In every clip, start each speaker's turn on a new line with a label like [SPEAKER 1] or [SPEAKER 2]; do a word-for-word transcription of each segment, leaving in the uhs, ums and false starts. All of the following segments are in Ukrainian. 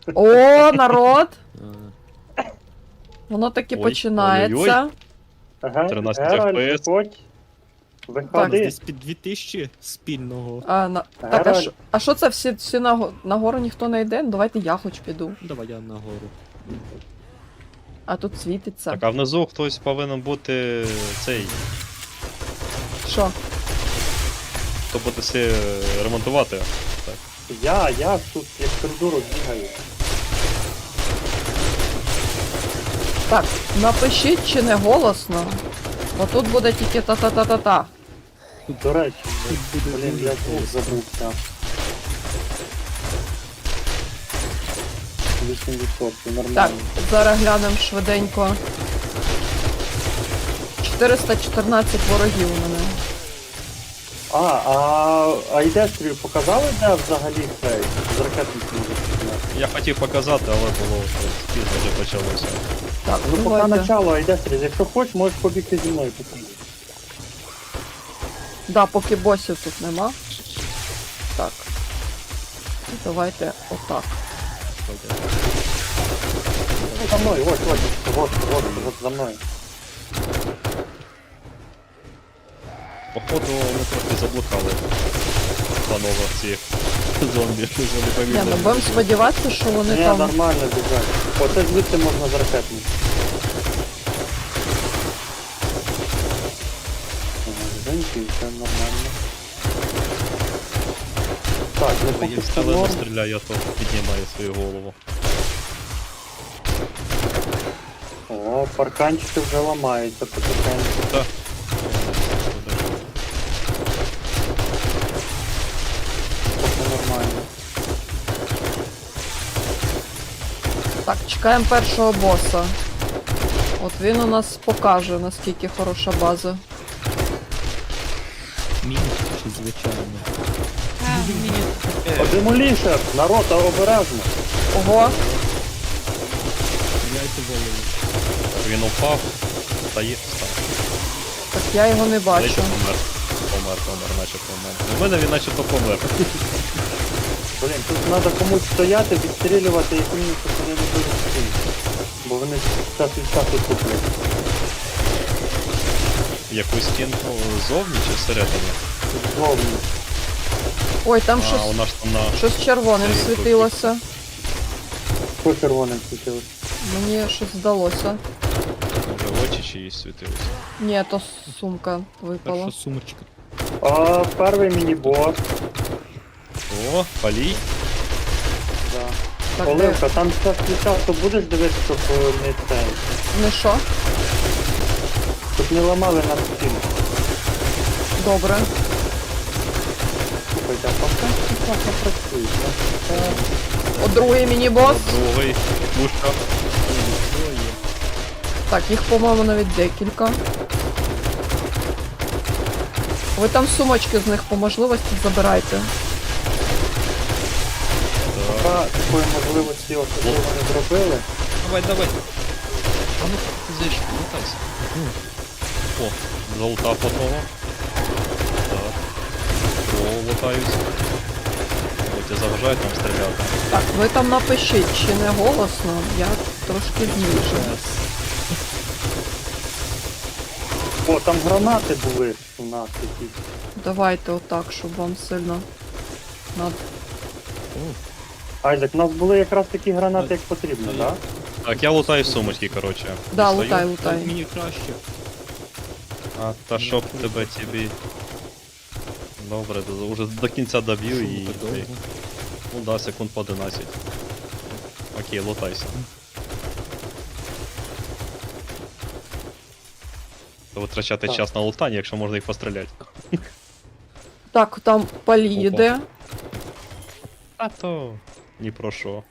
[SPEAKER 1] О, народ!
[SPEAKER 2] А,
[SPEAKER 1] Воно таки
[SPEAKER 3] Ой,
[SPEAKER 1] починається.
[SPEAKER 3] ой-ой-ой. тринадцять
[SPEAKER 4] Геральт,
[SPEAKER 3] еф пі ес.
[SPEAKER 4] виходь.
[SPEAKER 2] у нас
[SPEAKER 4] Виходи.
[SPEAKER 2] десь під дві тисячі спільного.
[SPEAKER 1] А, на... Так, а
[SPEAKER 4] Геральт.
[SPEAKER 1] що, а що це всі, всі на... нагору ніхто не йде? Ну давайте я хоч піду.
[SPEAKER 2] Давай я нагору.
[SPEAKER 1] А тут світиться.
[SPEAKER 3] Так, а внизу хтось повинен бути цей,
[SPEAKER 1] Що?
[SPEAKER 3] хто буде все ремонтувати. Так.
[SPEAKER 4] Я, я тут як коридору бігаю.
[SPEAKER 1] Так, напишіть чи не голосно. Бо тут буде тільки та-та-та-та-та.
[SPEAKER 4] До речі,
[SPEAKER 2] Тут буде
[SPEAKER 4] блін,
[SPEAKER 2] дуже
[SPEAKER 4] я тут
[SPEAKER 2] голосно.
[SPEAKER 4] забувся. вісім відсотків,
[SPEAKER 1] Так,
[SPEAKER 4] нормально.
[SPEAKER 1] зараз глянемо швиденько. чотириста чотирнадцять ворогів у мене.
[SPEAKER 4] А, а, а йдестрію показали, де взагалі цей з ракетних може.
[SPEAKER 3] Я хотів показати, але було щось пізно вже почалося.
[SPEAKER 1] Так,
[SPEAKER 4] Ну поки
[SPEAKER 1] давайте.
[SPEAKER 4] начало йдестрі, якщо хочеш, можеш побігти зі мною покажу.
[SPEAKER 1] Да, поки босів тут нема. Так. Давайте отак.
[SPEAKER 4] Ну, за мною, ось, ось, ось, ось, ось, за мною.
[SPEAKER 3] Походу ми трохи заблукали. Панове ці зомбі, що вони
[SPEAKER 1] Ні,
[SPEAKER 3] помітили.
[SPEAKER 1] ну будемо сподіватися, що вони
[SPEAKER 4] Ні,
[SPEAKER 1] там.
[SPEAKER 4] нормально біжать. Оце звідси можна з ракетних. Женьки, все нормально. Так, ну
[SPEAKER 3] Я
[SPEAKER 4] поки
[SPEAKER 3] в
[SPEAKER 4] що
[SPEAKER 3] стелено
[SPEAKER 4] норм.
[SPEAKER 3] стріляю, то піднімаю свою голову.
[SPEAKER 4] О, парканчики вже ламаються потихеньку.
[SPEAKER 3] Так.
[SPEAKER 4] Поки нормально.
[SPEAKER 1] Так, чекаємо першого боса. От він у нас покаже, наскільки хороша база.
[SPEAKER 2] Мінус чи звичайно.
[SPEAKER 4] О, демолішер! Народ, а обережно!
[SPEAKER 1] Ого!
[SPEAKER 2] Яйця голову.
[SPEAKER 3] Він упав, стає, став.
[SPEAKER 1] Так я його не
[SPEAKER 3] Наче
[SPEAKER 1] бачу.
[SPEAKER 3] помер. Помер, помер, наче помер. У мене він начебто помер.
[SPEAKER 4] Блін, тут треба комусь стояти, відстрілювати і помітити, що вони не будуть стріляти. Бо вони час від часу туплять.
[SPEAKER 3] Якусь стінку зовні чи всередині?
[SPEAKER 4] Зовні.
[SPEAKER 1] Ой, там
[SPEAKER 3] А,
[SPEAKER 1] щось,
[SPEAKER 3] у нас там на...
[SPEAKER 1] щось червоним
[SPEAKER 3] Цей
[SPEAKER 1] світилося.
[SPEAKER 4] Що червоним світилось?
[SPEAKER 1] Мені щось здалося.
[SPEAKER 3] Може очі чиїсь світилися.
[SPEAKER 1] Ні, то сумка
[SPEAKER 2] Перша
[SPEAKER 1] випала.
[SPEAKER 2] сумочка.
[SPEAKER 4] А, перший міні-бос.
[SPEAKER 3] О, палій.
[SPEAKER 4] Да.
[SPEAKER 1] Так, де?
[SPEAKER 4] Оливка, там час від часу будеш дивитися, щоб е, не цей.
[SPEAKER 1] Не що?
[SPEAKER 4] Щоб не ламали на стіну.
[SPEAKER 1] Добре.
[SPEAKER 4] Слухайте, а парканчики класно працюють. да? Це...
[SPEAKER 1] О, другий міні-бос.
[SPEAKER 3] Другий. Пушка.
[SPEAKER 1] Так, їх, по-моєму, навіть декілька. Ви там сумочки з них по можливості забирайте.
[SPEAKER 3] Так.
[SPEAKER 4] Поки такої можливості особливо не зробили.
[SPEAKER 3] Давай, давай. А ну ти зайшов, лутайся. О, залутав одного. Так. О, лутаюсь. О, тебе заважають нам стріляти.
[SPEAKER 1] Так, ви там напишіть, чи не голосно, я трошки зніжу.
[SPEAKER 4] О, там гранати були у нас якісь.
[SPEAKER 1] Давайте отак, щоб вам сильно над...
[SPEAKER 4] Айзек, у нас були якраз такі гранати, як потрібно, так?
[SPEAKER 3] Так, я лутаю сумочки, коротше.
[SPEAKER 1] Да,
[SPEAKER 3] Дістаю.
[SPEAKER 1] лутай,
[SPEAKER 2] Так,
[SPEAKER 1] лутай.
[SPEAKER 2] мені краще.
[SPEAKER 3] А, та щоб тебе тобі. Добре, до- уже до кінця доб'ю і.
[SPEAKER 2] Шумка довго.
[SPEAKER 3] Ну да, секунд по одинадцять. Окей, лутайся. То витрачати
[SPEAKER 4] Так.
[SPEAKER 3] час на лутання, якщо можна їх постріляти.
[SPEAKER 1] Так, там палі йде.
[SPEAKER 3] А то. Ні про що.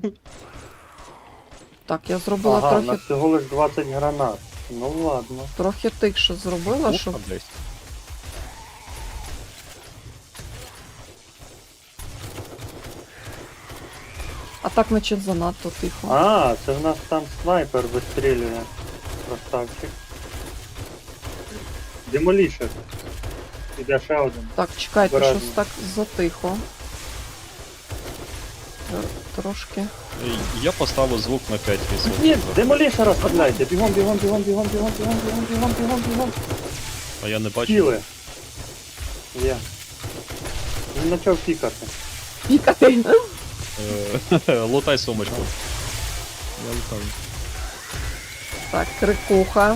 [SPEAKER 1] Так, я зробила
[SPEAKER 4] Ага, у
[SPEAKER 1] трохи,
[SPEAKER 4] нас всього лиш двадцять гранат. Ну ладно.
[SPEAKER 1] трохи тихше зробила, щоб...
[SPEAKER 3] Уха десь.
[SPEAKER 1] А так наче занадто тихо.
[SPEAKER 4] А, це в нас там снайпер вистрілює. Красавчик. Демолішер. Іде ще один.
[SPEAKER 1] Так, чекайте,
[SPEAKER 4] Обережно.
[SPEAKER 1] щось так затихо. Трошки.
[SPEAKER 3] Ей, Я поставив звук на п'ять відсотків.
[SPEAKER 4] Ні, демолішера стріляйте. Бігом, бігом, бігом, бігом, бігом, бігом, бігом, бігом, бігом, бігом.
[SPEAKER 3] А я не бачу.
[SPEAKER 4] Тіли. Є. Він почав пікати.
[SPEAKER 1] Пікати.
[SPEAKER 3] Е, Лутай сумочку.
[SPEAKER 2] Я лутаю.
[SPEAKER 1] Так, крикуха.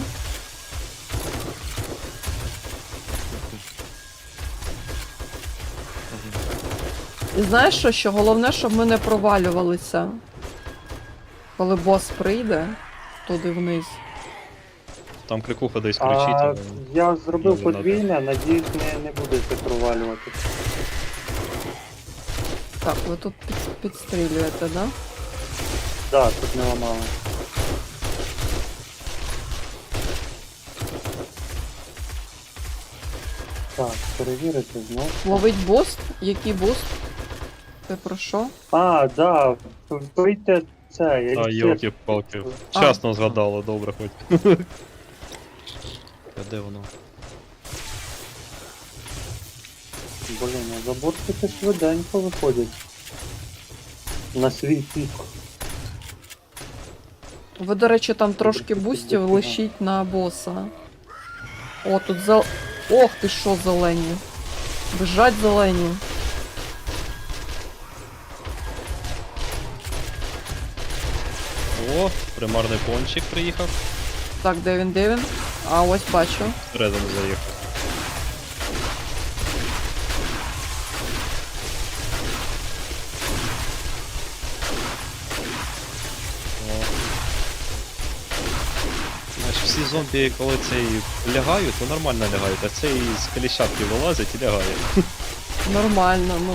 [SPEAKER 1] І знаєш що, що головне, щоб ми не провалювалися. Коли бос прийде туди вниз.
[SPEAKER 3] Там крикуха десь кричить.
[SPEAKER 4] А
[SPEAKER 3] але-
[SPEAKER 4] я зробив
[SPEAKER 3] Дуже надо.
[SPEAKER 4] подвійне, надіюсь, не, не будете провалювати.
[SPEAKER 1] Так, ви тут під, підстрілюєте, да?
[SPEAKER 4] Так, тут не ламало. Так, перевірити знов.
[SPEAKER 1] Ловить буст? Який буст? Ти про що?
[SPEAKER 4] А, да, вийте це,
[SPEAKER 3] А,
[SPEAKER 4] еліксир.
[SPEAKER 3] йолки-палки.
[SPEAKER 1] А.
[SPEAKER 3] Вчасно згадало, добре хоч. А де воно?
[SPEAKER 4] Блін, а заборчики швиденько виходять. На свій пік.
[SPEAKER 1] Ви, до речі, там трошки бустів лишіть на боса. О, тут зел... Ох ти що, зелені. Бежать зелені.
[SPEAKER 3] О, примарний пончик приїхав.
[SPEAKER 1] Так, де він, де він? А, ось бачу.
[SPEAKER 3] Всередину заїхав. О. Знаєш, всі зомбі, коли цей лягають, то нормально лягають, а цей з коліщатки вилазить і лягає.
[SPEAKER 1] Нормально, ну.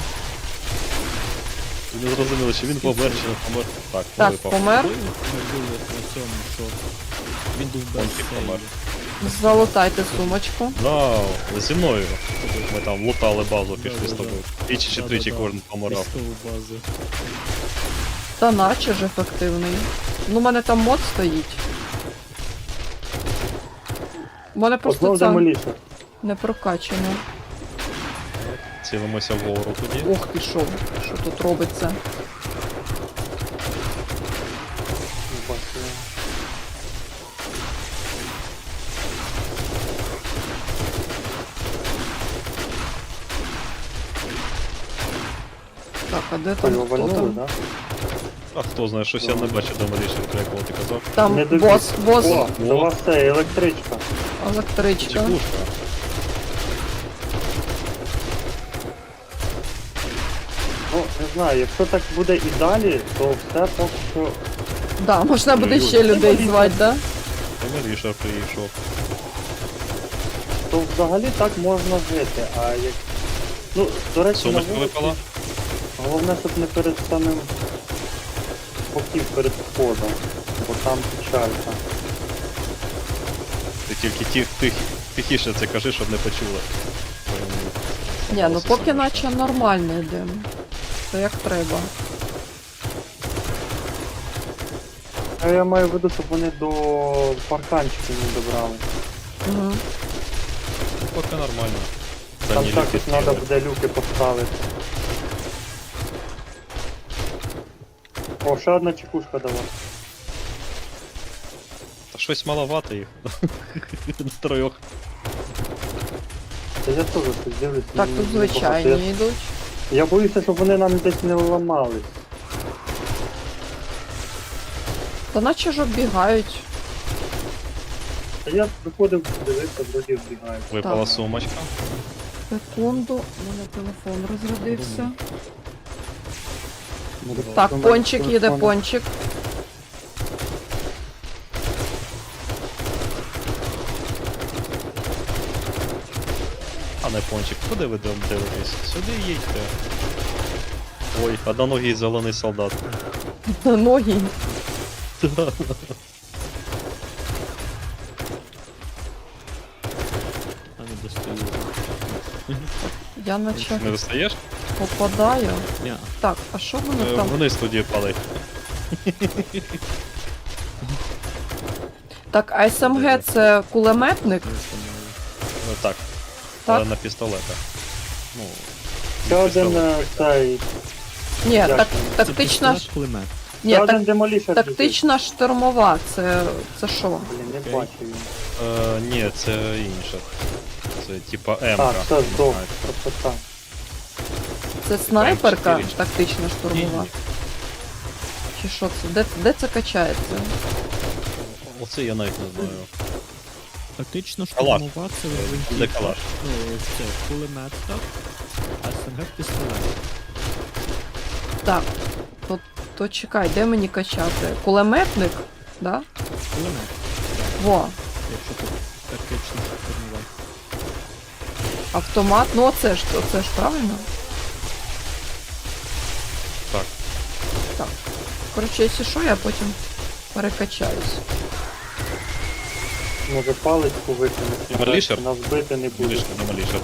[SPEAKER 3] І не зрозуміло, чи він помер, чи не помер. Так,
[SPEAKER 1] Так,
[SPEAKER 3] випав.
[SPEAKER 1] помер.
[SPEAKER 2] Ми були на цьому, що він був без
[SPEAKER 3] Пончик помер.
[SPEAKER 2] сейву.
[SPEAKER 1] Залутайте сумочку.
[SPEAKER 3] Да, зі мною. Ми там лутали базу, пішли з
[SPEAKER 2] Да-да-да.
[SPEAKER 3] тобою. Тричі чи тричі
[SPEAKER 2] Да-да-да.
[SPEAKER 3] кожен помирав.
[SPEAKER 2] Військову базу.
[SPEAKER 1] Та наче ж ефективний. Ну, у мене там мод стоїть. У мене просто
[SPEAKER 4] Знов
[SPEAKER 1] це
[SPEAKER 4] демолішер.
[SPEAKER 1] не прокачано.
[SPEAKER 3] Цілимося вгору тоді.
[SPEAKER 1] Ох ти що, що тут робиться?
[SPEAKER 4] Бачу.
[SPEAKER 1] Так, а де там
[SPEAKER 4] Його
[SPEAKER 1] хто
[SPEAKER 4] вальнули,
[SPEAKER 1] там?
[SPEAKER 4] да?
[SPEAKER 3] А хто знає, щось я не бачу демолішер, як коли ти казав.
[SPEAKER 1] Там
[SPEAKER 4] Не добіг.
[SPEAKER 1] бос, бос,
[SPEAKER 4] О, до вас це електричка.
[SPEAKER 1] електричка.
[SPEAKER 3] Чекушка.
[SPEAKER 4] Ну, не знаю, якщо так буде і далі, то все поки що.
[SPEAKER 1] Да, можна буде
[SPEAKER 3] Ой-ой.
[SPEAKER 1] ще людей звати, да?
[SPEAKER 3] Демолішер прийшов.
[SPEAKER 4] То взагалі так можна жити, а як. Ну, до речі, на
[SPEAKER 3] Сумочка
[SPEAKER 4] вулиці,
[SPEAKER 3] випала.
[SPEAKER 4] головне, щоб не перед самим боків перед входом, бо там печалька.
[SPEAKER 3] Ти тільки тих, тих, тихіше це кажи, щоб не почули.
[SPEAKER 1] Ні, ну поки наче нормально йдемо. Це як треба.
[SPEAKER 4] А я маю в виду, щоб вони до парканчиків не добрали.
[SPEAKER 1] Угу.
[SPEAKER 3] Поки нормально.
[SPEAKER 4] Там
[SPEAKER 3] Дані
[SPEAKER 4] також
[SPEAKER 3] люки
[SPEAKER 4] треба
[SPEAKER 3] тіли.
[SPEAKER 4] буде люки поставити. О, ще одна чекушка давай.
[SPEAKER 3] Та щось маловато їх. Трьох.
[SPEAKER 4] Та я теж щось дивлюсь.
[SPEAKER 1] Так,
[SPEAKER 4] ну,
[SPEAKER 1] тут
[SPEAKER 4] небагато.
[SPEAKER 1] звичайні йдуть.
[SPEAKER 4] Я, я боюся, щоб вони нам десь не ламались.
[SPEAKER 1] Та наче ж оббігають.
[SPEAKER 4] Та я виходив, дивився, вроді вбігають.
[SPEAKER 3] Випала
[SPEAKER 1] Так.
[SPEAKER 3] сумочка.
[SPEAKER 1] Секунду, у мене телефон розрядився.
[SPEAKER 4] Може,
[SPEAKER 1] Так,
[SPEAKER 4] там
[SPEAKER 1] пончик їде,
[SPEAKER 4] телефон.
[SPEAKER 1] пончик.
[SPEAKER 3] А не пончик. Куди ви дом дивитесь? Сюди їдьте. Ой, одноногий зелений солдат.
[SPEAKER 1] Ноги.
[SPEAKER 2] А не достаю.
[SPEAKER 1] Я наче
[SPEAKER 3] Не достаєш?
[SPEAKER 1] попадаю.
[SPEAKER 2] Ня.
[SPEAKER 1] Так, а що воно
[SPEAKER 3] Е,
[SPEAKER 1] там?
[SPEAKER 3] Вниз тоді падай.
[SPEAKER 1] Так, а ес ем ге це кулеметник?
[SPEAKER 2] Не знаю.
[SPEAKER 3] Е, Так, але
[SPEAKER 1] Так?
[SPEAKER 3] на пістолетах. Ну,
[SPEAKER 4] Ще один
[SPEAKER 3] пістолет.
[SPEAKER 4] е, цей
[SPEAKER 1] Ні,
[SPEAKER 4] Як
[SPEAKER 1] так,
[SPEAKER 4] він?
[SPEAKER 1] тактична, ж-
[SPEAKER 2] кулемет.
[SPEAKER 1] ні,
[SPEAKER 4] Та
[SPEAKER 1] так,
[SPEAKER 4] один демолішер біжить.
[SPEAKER 1] тактична штурмова, це, це що?
[SPEAKER 4] Блін, не
[SPEAKER 2] Окей.
[SPEAKER 4] бачу він.
[SPEAKER 3] Е, ні, це інше. Це типа М.
[SPEAKER 4] А, все, здох, просто так.
[SPEAKER 1] Це снайперка
[SPEAKER 3] чотири.
[SPEAKER 1] тактична штурмова?
[SPEAKER 3] Ні,
[SPEAKER 1] Чи що це? Де, де це качається?
[SPEAKER 3] Оце я навіть не знаю.
[SPEAKER 2] Тактично
[SPEAKER 3] Калаш.
[SPEAKER 2] штурмова це
[SPEAKER 3] Де
[SPEAKER 2] гвинтівка.
[SPEAKER 3] калаш?
[SPEAKER 2] Ну, це кулемет, так. А СНГ пістолет.
[SPEAKER 1] Так, то, то чекай, де мені качати? Кулеметник? Да?
[SPEAKER 2] Кулемет,
[SPEAKER 1] Во,
[SPEAKER 2] якщо тут тактично штурмова.
[SPEAKER 1] автомат, ну оце ж, оце ж правильно?
[SPEAKER 3] Так.
[SPEAKER 1] Так. Коротше, якщо що, я потім перекачаюсь.
[SPEAKER 4] Може паличку викинути.
[SPEAKER 3] Демолішер?
[SPEAKER 4] Нас бити не буде.
[SPEAKER 3] Демолішер, демолішер.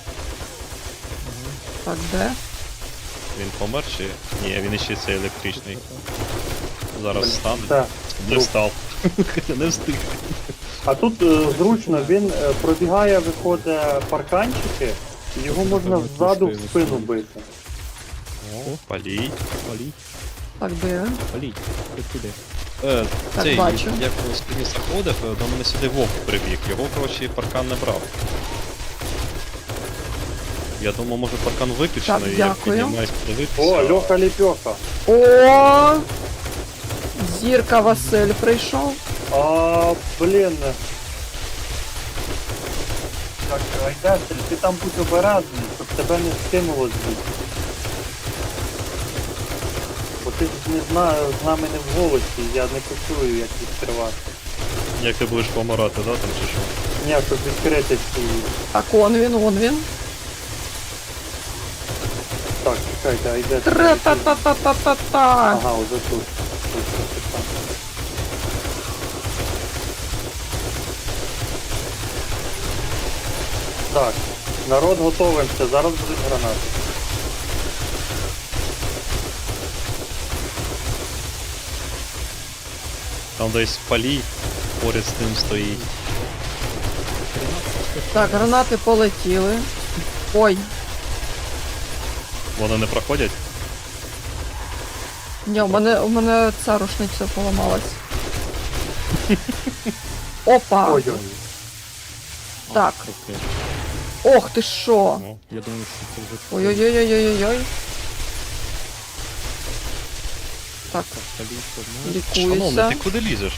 [SPEAKER 1] Так, де?
[SPEAKER 3] Він помер чи? Ні, він іще цей електричний. Зараз стане.
[SPEAKER 4] Так.
[SPEAKER 3] Не встав. Не встиг.
[SPEAKER 4] А тут е, зручно, він е, пробігає, виходить парканчики, і його можна
[SPEAKER 2] Напевно,
[SPEAKER 4] ззаду в
[SPEAKER 2] пушкою
[SPEAKER 4] спину
[SPEAKER 2] висунуть.
[SPEAKER 4] бити.
[SPEAKER 3] О, палій.
[SPEAKER 2] Палій,
[SPEAKER 1] Так, де він?
[SPEAKER 2] палій. Ти куди?
[SPEAKER 3] Е,
[SPEAKER 1] Так,
[SPEAKER 3] цей,
[SPEAKER 1] бачу.
[SPEAKER 3] як з спині заходив, е, до мене сюди вовк прибіг. Його, коротше, паркан не брав. Я думав, може паркан виключений,
[SPEAKER 1] Так,
[SPEAKER 3] я
[SPEAKER 1] дякую.
[SPEAKER 3] піднімаюсь подивитися.
[SPEAKER 4] О, Льоха Ліпьоха.
[SPEAKER 1] О! Зірка Василь прийшов.
[SPEAKER 4] А, блін. Так, Айдастель, ти там будь обережний, щоб тебе не скинуло звідси. Бо ти ж не знаю, з нами не в голосі, я не почую, як відкривати.
[SPEAKER 3] Як ти будеш помирати, да, там чи що?
[SPEAKER 4] Ні, щоб відкрити цю...
[SPEAKER 1] Так, он він, он він.
[SPEAKER 4] Так, чекайте, Айдастель.
[SPEAKER 1] Тра-та-та-та-та-та-та.
[SPEAKER 4] Ага, уже тут. Тут, тут, тут. Так, народ готовимося, зараз будуть гранати.
[SPEAKER 3] Там десь палій поряд з ним стоїть.
[SPEAKER 1] Так, гранати полетіли. Ой,
[SPEAKER 3] Вони не проходять?
[SPEAKER 1] ні, у мене, у мене ця рушниця поламалась. Опа!
[SPEAKER 4] Ой-ой.
[SPEAKER 1] Так.
[SPEAKER 2] Окей.
[SPEAKER 1] Ох ти що!
[SPEAKER 3] Ну,
[SPEAKER 2] Я думаю, що це вже...
[SPEAKER 1] Ой-ой-ой-ой-ой-ой. Так,
[SPEAKER 2] Палій помер.
[SPEAKER 3] шановний,
[SPEAKER 1] лікуюся.
[SPEAKER 3] ти куди лізеш?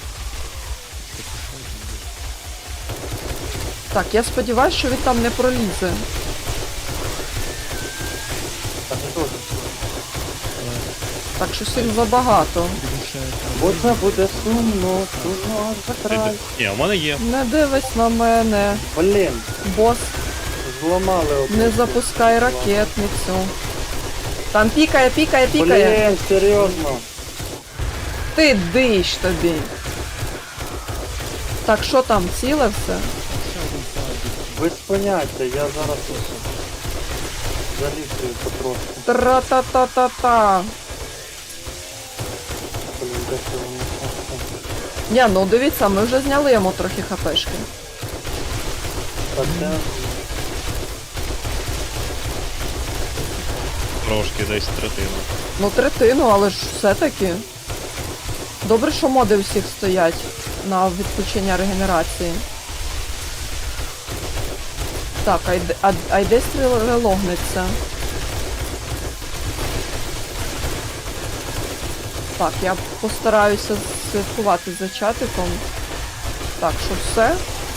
[SPEAKER 1] Так, я сподіваюся, що він там не пролізе.
[SPEAKER 4] Так, не дуже.
[SPEAKER 1] Так, щось їх забагато.
[SPEAKER 2] Більше там...
[SPEAKER 4] Бо це буде сумно, сумно аж за
[SPEAKER 3] Ти-
[SPEAKER 4] край.
[SPEAKER 3] Ні, у мене є.
[SPEAKER 1] Не дивись на мене.
[SPEAKER 4] Блін,
[SPEAKER 1] Бос,
[SPEAKER 4] зламали одну.
[SPEAKER 1] не запускай ракетницю. Там пікає, пікає, пікає.
[SPEAKER 4] Блін, серйозно.
[SPEAKER 1] Ти диш тобі. Так, що там, ціле все?
[SPEAKER 4] Без поняття, я зараз залізую потрошку.
[SPEAKER 1] Тра-та-та-та-та.
[SPEAKER 4] Блін, де це воно?
[SPEAKER 1] Ні, ну дивіться, ми вже зняли йому трохи хпшки.
[SPEAKER 4] Так, це...
[SPEAKER 3] Трошки десь третину.
[SPEAKER 1] Ну, третину, але ж все-таки. Добре, що моди у всіх стоять на відключення регенерації. Так, а йде, а, а йде стріл релогниться. Так, я постараюся слідкувати за чатиком. Так, що все?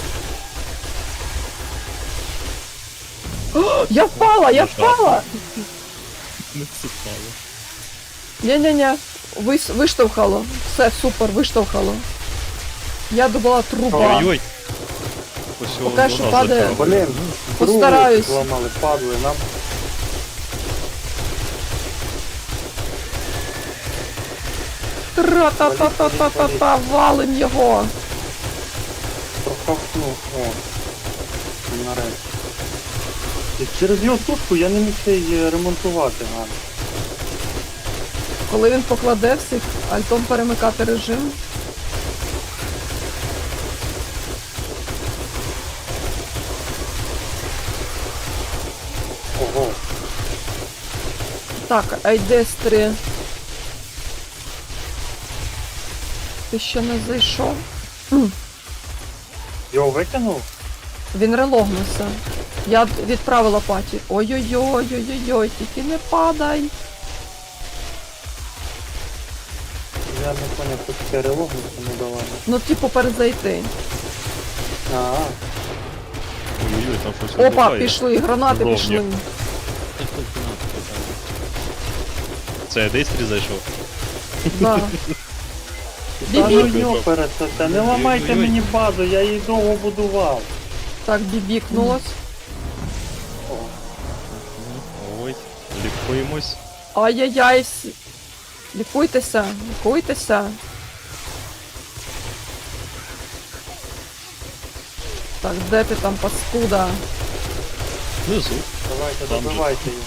[SPEAKER 1] О, я впала, я впала!
[SPEAKER 2] Не цікаво.
[SPEAKER 1] Ні-ні-ні, Вис, виштовхало. Все, супер, виштовхало. Я думала труба.
[SPEAKER 3] Ой-ой! Ось
[SPEAKER 1] Поки
[SPEAKER 3] воно
[SPEAKER 1] що
[SPEAKER 3] нас
[SPEAKER 1] падає.
[SPEAKER 3] затягнуло.
[SPEAKER 4] Блін,
[SPEAKER 1] Постараюсь.
[SPEAKER 4] другу зламали, падли, нам...
[SPEAKER 1] Тра-та-та-та-та-та-та, валим його.
[SPEAKER 4] Проковтнув, о. Нарешті. І через його тушку я не міг ще й ремонтувати гарно.
[SPEAKER 1] Коли він покладе всіх, альтом перемикати режим.
[SPEAKER 4] Ого.
[SPEAKER 1] Так, Айдестрі. Ти ще не зайшов?
[SPEAKER 4] Його викинув?
[SPEAKER 1] Він релогнувся. Я д- відправила паті. Ой-ой-ой, ой-ой-ой, тільки не падай.
[SPEAKER 4] Я не поняв, що таке релогнуться не давали.
[SPEAKER 1] Ну, типу, перезайти.
[SPEAKER 4] А,
[SPEAKER 3] Ой-ой-ой, там щось
[SPEAKER 1] Опа,
[SPEAKER 3] вибухає.
[SPEAKER 1] пішли, гранати
[SPEAKER 3] Ровні.
[SPEAKER 1] пішли.
[SPEAKER 2] Це хтось гранату кидав.
[SPEAKER 3] Це Дейстрі зайшов.
[SPEAKER 1] Да.
[SPEAKER 4] та
[SPEAKER 1] Бібі.
[SPEAKER 4] ну йопересете, не ламайте
[SPEAKER 3] Ой-ой-ой.
[SPEAKER 4] мені базу, я її довго будував.
[SPEAKER 1] Так, бібікнулось.
[SPEAKER 4] О,
[SPEAKER 3] Ой, лікуємось.
[SPEAKER 1] Ай-яй-яй. всі- Лікуйтеся, лікуйтеся. Так, де ти там, паскуда?
[SPEAKER 3] Внизу.
[SPEAKER 4] давайте,
[SPEAKER 3] Там же.
[SPEAKER 4] добивайте його.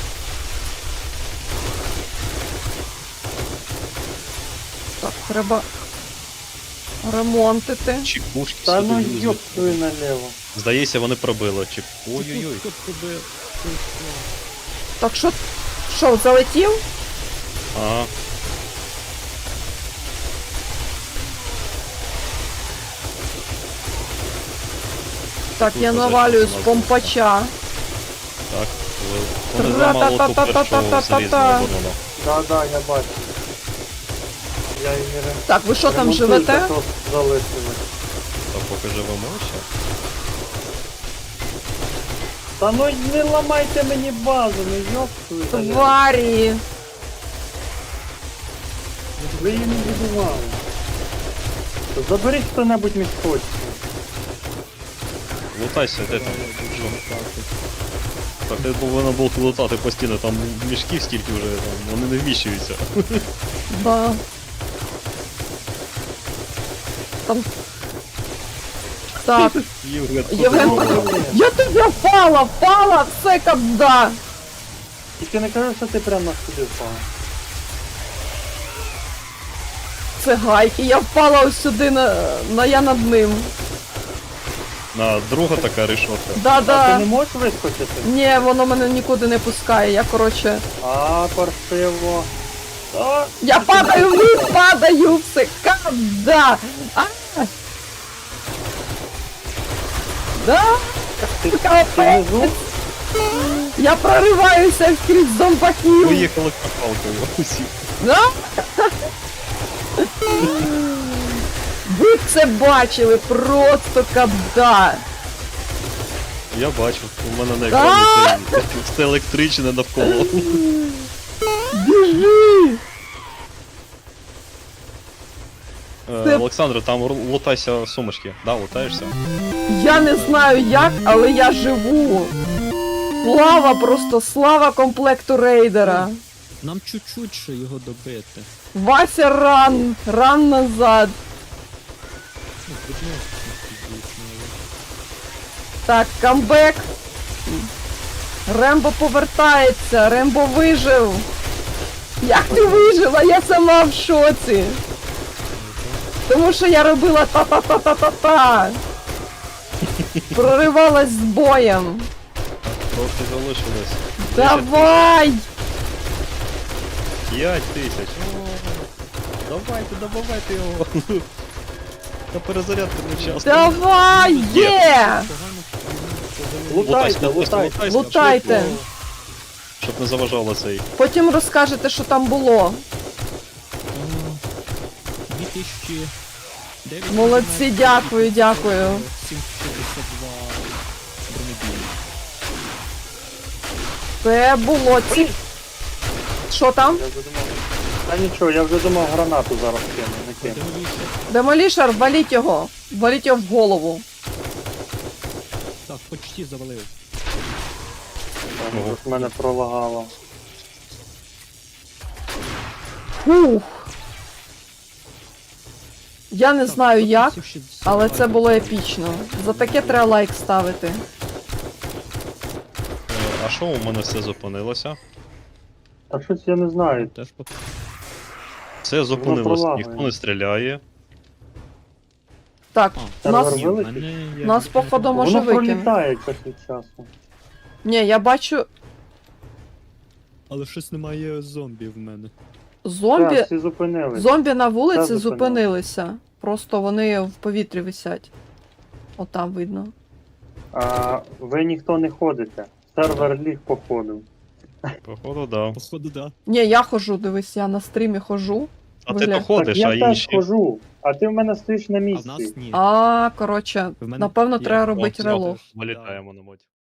[SPEAKER 1] Так, треба ремонтити.
[SPEAKER 3] Чекушки
[SPEAKER 4] Та ну
[SPEAKER 3] сюди.
[SPEAKER 4] йоп твою наліво.
[SPEAKER 3] Здається, вони пробили. Чек... Ой-ой-ой.
[SPEAKER 2] Хто пробив? Ти що?
[SPEAKER 1] Так, що, що, залетів?
[SPEAKER 3] Ага.
[SPEAKER 1] Так,
[SPEAKER 3] Тут
[SPEAKER 1] я
[SPEAKER 3] позначено
[SPEAKER 1] навалюю з
[SPEAKER 3] назву.
[SPEAKER 1] помпача.
[SPEAKER 3] Так, ви- вони зламали ту першу залізну оборону.
[SPEAKER 4] Да, да, я бачу. Я її ре...
[SPEAKER 1] Так, ви що там
[SPEAKER 4] ремонтую,
[SPEAKER 1] живете?
[SPEAKER 4] так от залишили.
[SPEAKER 3] Та поки живемо ще.
[SPEAKER 4] Та ну не ламайте мені базу, ну йоп твою наліво.
[SPEAKER 1] Тварі!
[SPEAKER 4] Ви її не будували. Заберіть хто-небудь міськочку.
[SPEAKER 3] Лутайся, де там? Що? Так, ти повинен був лутати постійно, там мішків стільки вже, там, вони не вміщуються.
[SPEAKER 1] Да. Там... Так,
[SPEAKER 3] Євген,
[SPEAKER 1] Євген,
[SPEAKER 3] подумав.
[SPEAKER 1] я тобі впала, впала, все кабда.
[SPEAKER 4] Тільки не кажи, що ти прямо сюди впав.
[SPEAKER 1] Це гайки, я впала ось сюди, на, на я над ним.
[SPEAKER 3] На друга така решотка.
[SPEAKER 4] А ти
[SPEAKER 1] Да-да.
[SPEAKER 4] не можеш вискочити?
[SPEAKER 1] Ні, воно мене нікуди не пускає, я, коротше...
[SPEAKER 4] А, паршиво. А,
[SPEAKER 1] Я падаю вниз, падаю, все кабда. А! Да,
[SPEAKER 4] ти, ти
[SPEAKER 1] капець.
[SPEAKER 4] внизу?
[SPEAKER 1] Я прориваюся скрізь зомбаків.
[SPEAKER 3] Поїхали палкою усі.
[SPEAKER 1] Да? Ви б це бачили, просто кабда.
[SPEAKER 3] Я бачу, у мене на екрані це, все електричне навколо.
[SPEAKER 1] Біжи!
[SPEAKER 3] Е,
[SPEAKER 1] Це-
[SPEAKER 3] Олександр, там ру- лутайся сумочки. Да, лутаєшся?
[SPEAKER 1] Я не знаю як, але я живу. Слава просто, слава комплекту рейдера.
[SPEAKER 2] Нам чуть-чуть ще його добити.
[SPEAKER 1] Вася ран, ран назад.
[SPEAKER 2] Ну, підноситься, звісно.
[SPEAKER 1] Так, камбек. Рембо повертається, Рембо вижив. Як ти вижила? Я сама в шоці. Тому що я робила та-та-та-та-та-та. Проривалась з боєм.
[SPEAKER 3] Трохи залишилось.
[SPEAKER 1] Давай!
[SPEAKER 3] П'ять тисяч. О, давайте, добавайте його. На перезарядку не час.
[SPEAKER 1] Давай! Є!
[SPEAKER 4] Лутайте, лутайте.
[SPEAKER 1] Лутайте.
[SPEAKER 3] Щоб не заважало цей.
[SPEAKER 1] Потім розкажете, що там було.
[SPEAKER 2] дві тисячі дев'ять.
[SPEAKER 1] Молодці, дякую, дякую.
[SPEAKER 2] сімсот шістдесят два бронебійні.
[SPEAKER 1] Це було ці. Що там?
[SPEAKER 4] Я вже думав. Та нічого, я вже думав гранату зараз кину, не кину.
[SPEAKER 2] Демоліше.
[SPEAKER 1] Демолішер, валіть його. Валіть його в голову.
[SPEAKER 2] Так, почти завалив.
[SPEAKER 4] Там вже в мене пролагало.
[SPEAKER 1] Фух. Я не знаю як, але це було епічно. За таке треба лайк ставити.
[SPEAKER 3] Е, А що у мене все зупинилося?
[SPEAKER 4] А щось я не знаю.
[SPEAKER 2] Теж по...
[SPEAKER 3] Все зупинилося,
[SPEAKER 4] пролагує.
[SPEAKER 3] ніхто не стріляє.
[SPEAKER 1] Так,
[SPEAKER 4] Та
[SPEAKER 1] нас,
[SPEAKER 4] нормально.
[SPEAKER 2] Ні, в мене як
[SPEAKER 1] нас
[SPEAKER 2] вже
[SPEAKER 1] походу може
[SPEAKER 4] Воно
[SPEAKER 1] викинути.
[SPEAKER 4] пролітає час від часу.
[SPEAKER 1] Ні, я бачу.
[SPEAKER 2] Але щось немає зомбі в мене.
[SPEAKER 1] Зомбі,
[SPEAKER 4] Так, всі зупинились.
[SPEAKER 1] зомбі на вулиці
[SPEAKER 4] Та, зупинили.
[SPEAKER 1] зупинилися. Просто вони в повітрі висять. Отам видно.
[SPEAKER 4] А ви ніхто не ходите. Сервер ліг походу.
[SPEAKER 3] Походу, да.
[SPEAKER 2] Походу, да.
[SPEAKER 1] Ні, я хожу, дивись, я на стрімі хожу.
[SPEAKER 3] А
[SPEAKER 1] Бля.
[SPEAKER 3] ти то
[SPEAKER 4] Так
[SPEAKER 3] ходиш,
[SPEAKER 4] я
[SPEAKER 3] а
[SPEAKER 4] теж
[SPEAKER 3] інші.
[SPEAKER 4] хожу, а ти в мене стоїш на
[SPEAKER 2] А в
[SPEAKER 4] місці.
[SPEAKER 2] нас ні.
[SPEAKER 1] А, коротше,
[SPEAKER 2] В мене
[SPEAKER 1] напевно,
[SPEAKER 2] є.
[SPEAKER 1] треба
[SPEAKER 3] О,
[SPEAKER 1] робити
[SPEAKER 3] все,
[SPEAKER 1] релог.
[SPEAKER 3] Вилітаємо на моді.